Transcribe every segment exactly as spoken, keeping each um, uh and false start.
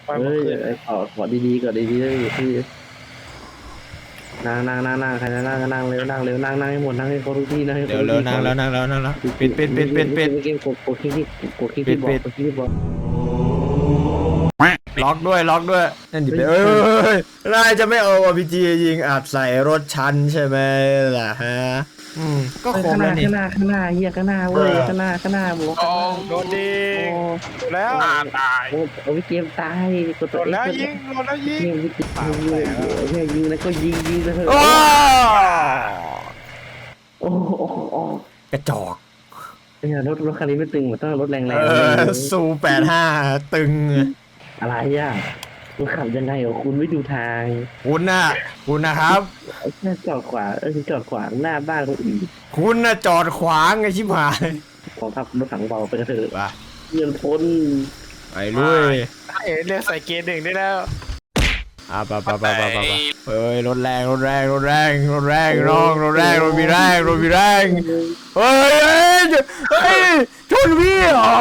เฮ้ยไอ้ขอขอดีๆก่อนดีๆเลยพี่นั่งนั่งนั่งนั่งใครนั่งนั่งนั่งเร็วนั่งเร็วนั่งนั่งให้หมดนั่งให้ครบทุกที่นั่งให้ครเดี๋ยบวทุกเร็วที่นั่งแล้วนั่งแล้วนั่งแล้วปิดปิดปิดปิดปิดเกมกดกดคลิกกดคลิกปิที่ดบอกปิดกดคลิกที่บอกล็อกด้วยล็อกด้วยนั่นดิเอ้ยนายจะไม่เอาอ พี จี ยิงอัดใส่รถฉันใช่ไหมล่ะฮะอืมก็ครบข้างหแล้น้าวนี่ข้างหน้าข้างหน้าเฮียข้างหน้าเว้ยข้างหน้าข้างหน้าบอกโอ้โดนดีแล้วตายโอ้โอ้เกมตายกดโดตัวน เอ็แล้วกซ์ยิงโดนแล้วยิงยิงยิงยิงยิงแล้วก็ยิงยิงแล้วโอ้โอ้โอ้โอ้กระจอกเนี่ยรถรถคันนี้ไม่ตึงเหมือนต้องรถแรงเออซูแปดห้าตึงๆอะไรอ่ะคุณขับยังไงเหรอคุณไม่ดูทางคุณน่ะคุณนะครับแค่จอดขวาเออจอดขวางหน้าบ้านคนอื่นคุณน่ะจอดขวางไงชิบหายของขับรถถังเบาไปกระเถิบว่ะเงินพ้นไปลุยเอ๋เรียกใส่เกียร์หนึ่งได้แล้วอ่ะไปไปไปไปไปเฮ้ยรถแรงรถแรงรถแรงรถแรงน้องรถแรงรถมีแรงรถมีแรงเฮ้ยเฮ้ยเฮ้ยชนพี่เหรอ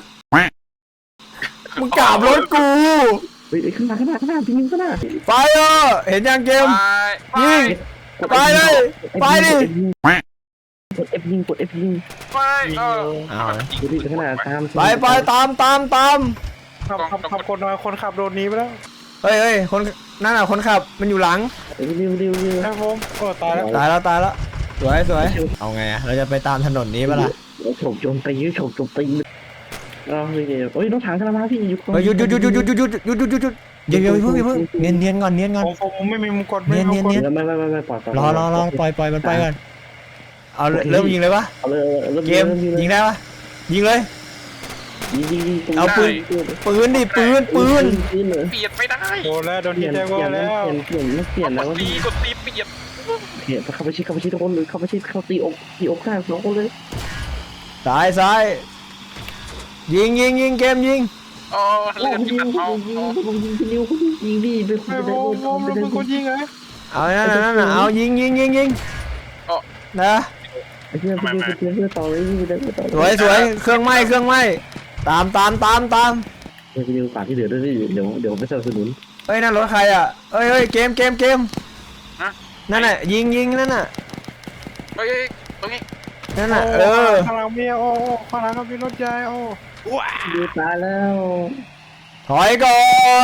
มึงกราบรถกูเฮ้ยข้างหน้าข้างหน้าข้างหน้ายิงข้างหน้าไปเออเห็นยังเกมไปยิงไปเลยไปดิกด F ยิงกด F ยิงไปเออเอาดูดิข้างหน้าตามไปไปตามตามตามขับขับขับคนน้อยคนขับโดนนี้ไปแล้วเฮ้ยเฮ้ยคนนั่นน่ะคนขับมันอยู่หลังเร็วเร็วเร็วเร็วใช่ผมโอ้ตายแล้วตายแล้วตายแล้วสวยสวยเอาไงอะเราจะไปตามถนนนี้ปะล่ะโฉบโจมตีโฉบโจมตีอ๋อเฮ้ยเฮ้ยรถถังกำลังมาพี่หยุดเฮ้ยหยุดหยุดหยุดหยุดหยุดหยุดหยุดหยุดหยุดหยุดเดี๋ยวเดี๋ยวเพิ่งเพิ่งเนียนเนียนก่อนเนียนก่อนผมผมไม่มีมุกกดไม่มีมุกกดไม่ไม่ไม่ไม่ปล่อยรอรอรอปล่อยปล่อยมันไปก่อนเอาเริ่มยิงเลยปะเอาเลยเกมยิงได้ปะยิงเลยยิงยิงยิงเอาปืนปืนดิปืนปืนปืนเลยเปลี่ยนไม่ได้โดนแล้วโดนเปลี่ที่ยนแจ้งเปลี่ยนแล้วเปลี่ยนเปลี่ยนไม่เปลี่ยนแล้วตีกดตีเปลี่ยนเปลี่ยนเข้าไปชิดเข้าไปชิดทุกคนเลยเข้าไปชิดเข้าตีอกตีอกข้างสองคนเลยซ้ายซ้ายยิงยิงยิงเกมยิงอ๋อเลือดยิที่งมันยิเอางยิงยิงยิงยิงดิไปคุไอ้ยโว้โว้มันเป็นคนยิงไงเอานั่นน่ะนั่นน่ะเอายิงยิงยิงยิงนะไอ้เพื่อนเพื่อนเพื่อนเพื่อนต่อเลยยิงไปเลยต่อสวยสวยเครื่องไหม้เครื่องไหม้ตามตามตามตามเดี๋ยวไปยิงป่าที่เหลือด้วยเดี๋ยวเดี๋ยวไม่สนับสนุนเฮ้ยนั่นรถใครอ่ะเฮ้ยเฮ้ยเกมเกมเกมนั่นน่ะยิงยิงนั่นน่ะเฮ้ยตรงนี้นั่นน่ะเออข้างหลังมีโอ้ข้างหลังก็มีรถใหญ่โอ้ว้าดูตายแล้วถอยก่อน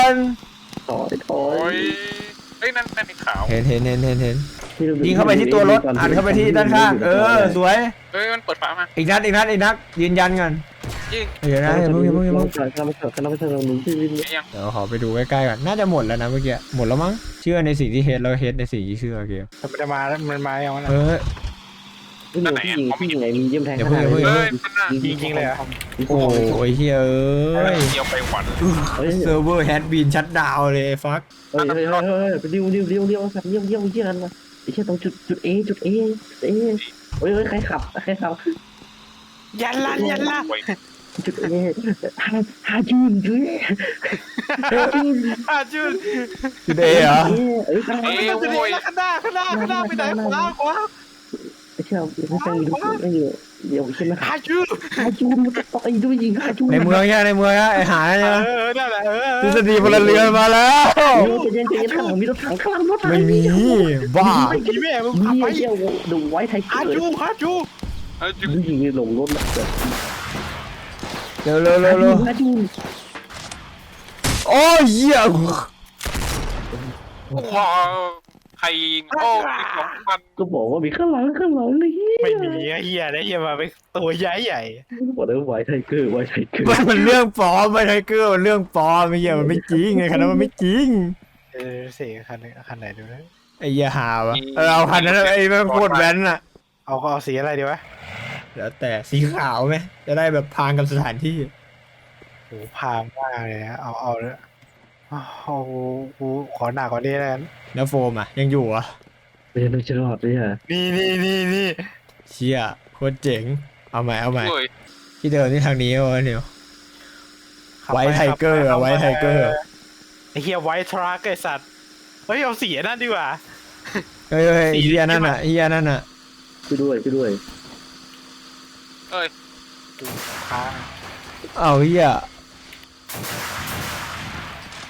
ถอยถอโอ้ยยเฮ้ยนั่นนั่นไอ้ขาวเห็นเห็นเห็นเห็นเห็นยิงเข้าไปที่ตัวรถอัดเข้าไปที่ด้านข้างเออสวยเฮ้ยมันเปิดฝามาอีกนัดอีกนัดอีกนัดยืนยันกันยิงเดี๋ยวนะอย่าเพิ่งอย่าเพิ่งอย่าเพิ่งถอยกันไปถอยกันไปถอยกันหนุนที่วินยังเดี๋ยวขอไปดูใกล้ๆก่อนน่าจะหมดแล้วนะเมื่อกี้หมดแล้วมั้งเชื่อในสิ่งที่เฮดแล้วเฮดในสิ่งที่เชื่อเกมมันจะมาแล้วมันมาอย่างนั้นเออพี่หนูพี่ยิงพี่ยิงไงมีเยี่ยมแทงเฮ้ยมันน่ะยิงจริงเลยอ่ะโอ้ยเฮ้ยเอ้ยเดียวไปหวันเซิร์ฟเวอร์แฮดบีนชัดดาวเลยฟักเฮ้ยเฮ้ยเฮ้ยเฮ้ยไปดิวดิวดิวดิวสัตว์เยี่ยมเยี่ยมเยี่ยมกันมาไอ้เชี่ยตรงจุดจุดเอจุดเอเอเฮ้ยเฮ้ยใครขับใครขับยันละยันละจุดเอฮาฮาจูนจุดเอฮาจูนอาจุนจุดเอเหรอเอ้ยเอ้ยโอ้ยข้างหน้าข้างหน้าข้างหน้าไปไหนขวาขวาไอ้เชี่ยไม่ใช่ดูไม่อยู่เดี๋ยวใช่ไหมอาจุนฮาจูนมันต่อยด้วยยิงฮาจูนในเมืองเนี่ยในเมืองเนี่ยไอหาเอเนี่ยอนั่นแหละเออทฤษฎีพลเรือนมาแล้วจะเย็นจะเย็นข้างหลังมีรถถังข้างหลังรถถังไม่มีบ้าพี่แม่มึงมีขับไปไอ้เชี่ยดูไว้ไทยอาเกิดจูอาจูอาจูดูยิงลงรถแบบเร็วเร็วเร็วเร็วฮาจูนโอ้ยเหี้ยว้าวใครยิงโอ้ยสองพันก็บอกว่ามีข้างหลังข้างหลังเลยไม่มีไอ้เหี้ยนะเหี้ยมาเป็นตัวใหญ่ใหญ่บอกเลยว่าไว้ไทเกอร์ไว้ไทเกอร์มันมันเรื่องปลอมไม่ไทเกอร์มันเรื่องปลอมไม่เหี้ยมันไม่จริงไงคันนั้นมันไม่จริงเออเสียคันไหนคันไหนดูนะไอ้เหี้ยหาวะเออเอาคันนั้นไอ้แม่งโคตรแว้นอะเอาก็เอาสีอะไรดีวะแล้วแต่สีขาวไหมจะได้แบบพางกับสถานที่โหพามมากเลยนะเอาเอาเลยเอากูขอหนักกว่านี้แล้วกันแล้วโฟมอ่ะยังอยู่อ่ะเรียนรู้จะรอดเลยฮะนี่นี่นี่นี่เชี่ยโคตรเจ๋งเอาใหม่เอาใหม่ที่เดิมที่ทางนี้วะเนี่ย ไว้ไทเกอร์อะไว้ไทเกอร์ไอ้เฮียไวท์ทรัคไอ้สัตว์เฮ้ยเอาสีนั่นดีกว่าเฮ้ยเฮ้ยเฮียนั่นอ่ะเฮียนั่นอ่ะช่วยด้วยช่วยด้วยเอ้ยค้างเอาเฮีย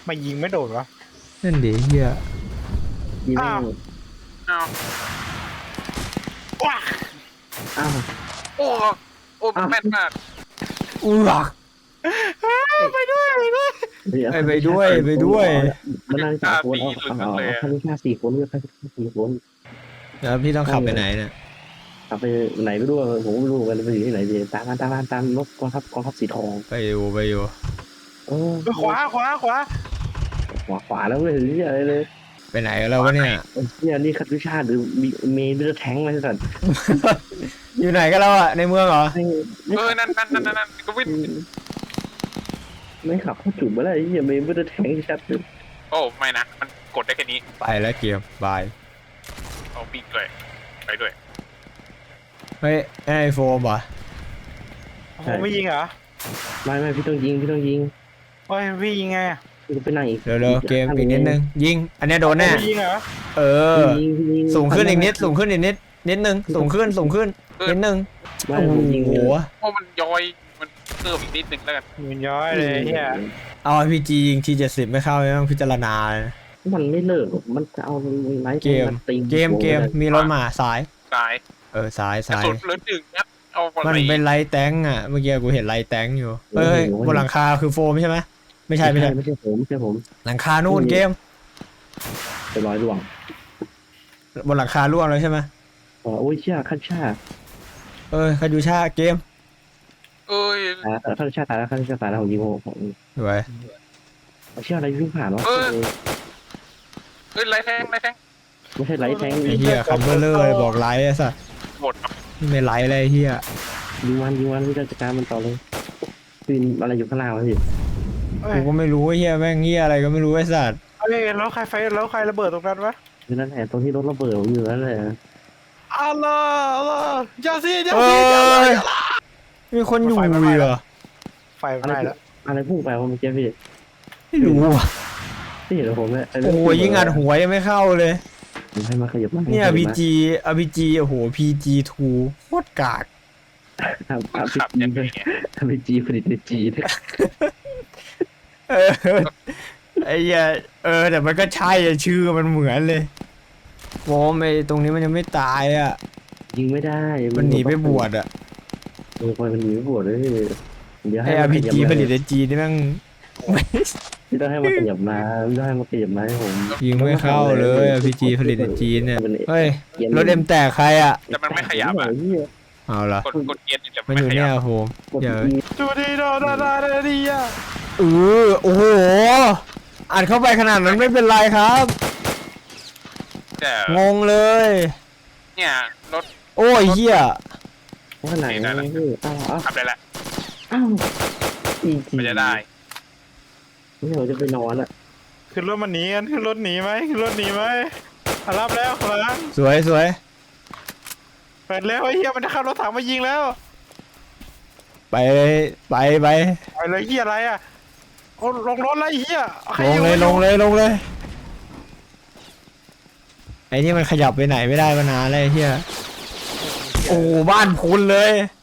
มายิงไม่โดนวะนั่นดิเฮียยิงไม่อ้าวหมดอ้าวว้าอ้าวโอ้โอ้แม่นมากอู้หลักไปด้วยไปด้วยไปไปด้วยไปด้วยมันนั่งสามคนเอาเอาเอาคันนี้แค่สี่คนเลือกแค่สี่คนแล้วพี่ต้องขับไปไหนเนี่ยขับไปไหนไม่รู้ผมไม่รู้กันไปอยู่ที่ไหนดีตามตามตามตามรถกองทัพกองทัพสีทองไปอยู่ไปอยู่เออขวาขวาขวาขวาขวาแล้วไม่เห็นที่อะไรเลยไปไหนกันแล้ววะเนี่ยเนี่ยนี่คัตวิชาหรือมีเมย์เลือดแทงอะไรสัตว์อยู่ไหนกันแล้วอะในเมืองเหรอเออนั่นนั่นนั่นนั่นก็วิ่งไม่ขับเข้าจุดมาแล้วไอ้เหี้ยเมย์เลือดแทงชัดเลยโอ้ไม่นะมันกดได้แค่นี้ไปแล้วเกียร์บายเอาวิ่งด้วยไปด้วยเฮ้ยไอโฟมเหรอผมไม่ยิงเหรอไม่ไม่พี่ต้องยิงพี่ต้องยิงโอ้ยพี่ยิงไงพี่ก็ไปนั่งอีกเร็วๆเกมอีกนิดนึงยิงอันเนี้ยโดนแน่ไม่ยิงเหรอเออยิงยิงสูงขึ้นอีกนิดสูงขึ้นอีกนิดนิดนึงสูงขึ้นสูงขึ้นนิดนึงไม่โอ้ผมยิงโหโอ้มันย้อยมันเพิ่มอีกนิดนึงแล้วกันมันย้อยเลยเฮียเอาพีจียิงทีเจ็ดสิบไม่เข้าไม่ต้องพิจารณาเลยนะมันไม่เลิกมันจะเอาไม้เกมเกมเกมมีรถมาซ้ายตายเออซ้ายกระซ้ายสุนเหลือหนึ่งนัดเอาไปมันเป็นไลท์แตงอ่ะเมื่อกี้กูเห็นไลท์แตงอยู่เอ้ยบนหลังคาคือโฟมใช่ไหมไม่ใช่ไม่ใช่ไม่ใช่ผมไม่ใช่ผมหลังคานู่นเกมไปร้อยดวงบนหลังคาร่วงเลยใช่ไหมอ๋อโอ้ยเชี่ยขั้นชาเออคายูชาเกมเอ้ยตายแล้วขั้นชาตายแล้วขั้นชาตายแล้วผมยิงผมสวยเชี่ยอะไรวิ่งผ่านวะเอ้ยไรแทงไรแทงไม่ใช่ไลท์แทงไอ้เหี้ยคัมเบอร์เลอร์เลยบอกไลท์ไอ้สัสหมดนี่ไม่ไลท์เลยไอ้เหี้ยยิงวันยิงวันวิจารการมันต่อเลยปีนอะไรอยู่ข้างล่างวะพี่เอ้กูยก็ไม่รู้ไอ้เหี้ยแม่งเหี้ยอะไรก็ไม่รู้ไอ้สัสเอ้ยแล้วใครไฟแล้วใครระเบิดตรงนั้นวะคือนั่นแหละตรงที่รถระเบิดผมอยู่นั่นแหละอัลลอฮ์อัลลอฮ์อย่าสิอย่าเอ้สิอย่าสิยมีคนอยู่เหรอไฟไหม้แล้วอะไรพุ่งไปวะเมื่อกี้พี่ไม่รู้อ่ะพี่เห็นผมไหมโอ้ยยิงอัดหัวยังไม่เข้าเลยให้มาขยับมาเนี่ย พี จี อาร์ พี จี โอ้โห พี จี ทู โคตรกากทำมันทำขับยังไงเนี่ยทำเป็นจีผลิตในจีนเออไอ้เหี้ยเออแต่มันก็ใช่อะชื่อมันเหมือนเลยโว้ไอ้ตรงนี้มันยังไม่ตายอ่ะยิงไม่ได้มันหนีไปบวชอ่ะเออมันหนีไปบวชเลยเดี๋ยวไอ้ให้อาร์มันพีขยับจีมาผลิตในจีนนี่แม่งพี่ต้องให้มันขยับมาพี่ต้องให้มันขยับมาให้ผมยิงไม่เข้าเลยอาร์พีจีผลิตในจีนเนี่ยเฮ้ยเกียร์รถเอ็มแตกใครอ่ะแต่มันไม่ขยับอ่ะเอาละกดกดเกียร์แต่มันไม่อยู่ขเนี่ยัยบโฮม เดี๋ยวจูดีโดดาดาเดดีอะเออโอ้โหอัดเข้าไปขนาดนั้นไม่เป็นไรครับแต่งงเลยเนี่ยรถโอ้ยเหี้ยว่าไหนพี่อ้าวอ้าวขับได้ละอ้าวอีจีมันจะได้นี่เราจะไปนอนละขึ้นรถมันหนีกันขึ้นรถหนีไหมขึ้นรถหนีไหมอ่ะรับแล้วขอรับสวยสวยเปิดแล้วไอ้เหี้ยมันจะขับรถถังมายิงแล้วไปไปไปไอ้เลยเหี้ยอะไรอ่ะโอ้ลงรถแล้วไอ้เหี้ยใครลงเลยลงเลยลงเลยไอ้ที่มันขยับไปไหนไม่ได้มานานเลยไอ้เหี้ยโอ้บ้านพุนเลย